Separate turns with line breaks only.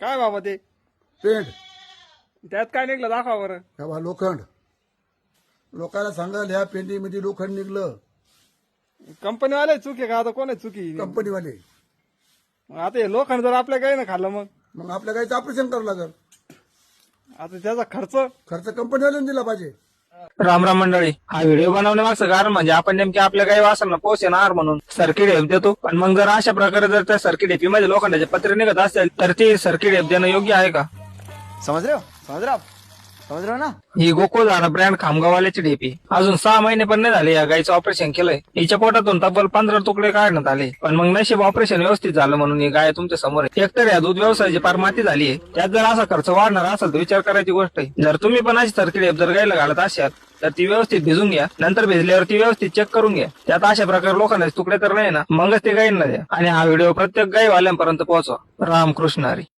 काय बाबा ते
पेंट
त्यात काय निघलं दाखवा बरं.
तेव्हा लोखंड लोकांना सांगाल ह्या पेंटीमध्ये लोखंड निघलं
कंपनीवाले चुकी का आता कोण आहे चुकी.
कंपनीवाले.
आता हे लोखंड जर आपल्या काही ना खाल्लं
मग आपल्या गाईचं ऑपरेशन करावं लागेल.
आता त्याचा
खर्च कंपनीवाल्याने दिला पाहिजे.
राम राम मंडळी, हा व्हिडिओ बनवण्यामागचं कारण म्हणजे आपण नेमके आपल्या काही वासनाला पोषणार म्हणून सर्किट हेप देतो. पण मग जर अशा प्रकारे जर त्या सर्किट हेपी मध्ये लोखंडाचे पत्रे निघत असेल तर ती सर्किट हेप देणं योग्य आहे का?
समझ रहे हो ना.
ही गोकुळधारा ब्रँड खामगाववाल्याची ढेपी अजून 6 महिने पण नाही झाले या गायचं ऑपरेशन केलंय. हिच्या पोटातून तब्बल 15 तुकडे काढण्यात आले. पण मग नशीब ऑपरेशन व्यवस्थित झालं म्हणून ही गाय तुमच्या समोर आहे. एकतर या दूध व्यवसायाची पार माती झाली आहे. त्यात जर असा खर्च वाढणार असेल तर विचार करायची गोष्ट आहे. जर तुम्ही पण अशी सर्किट हेप जर गायला घालत असाल तर ती व्यवस्थित भिजून घ्या. नंतर भिजल्यावर ती व्यवस्थित चेक करून घ्या. त्यात अशा प्रकारे लोखंडाचे तुकडे तर नाही ना, मगच ते गायींना द्या. आणि हा व्हिडिओ प्रत्येक गायवाल्यांपर्यंत पोहोचवा. रामकृष्ण हरी.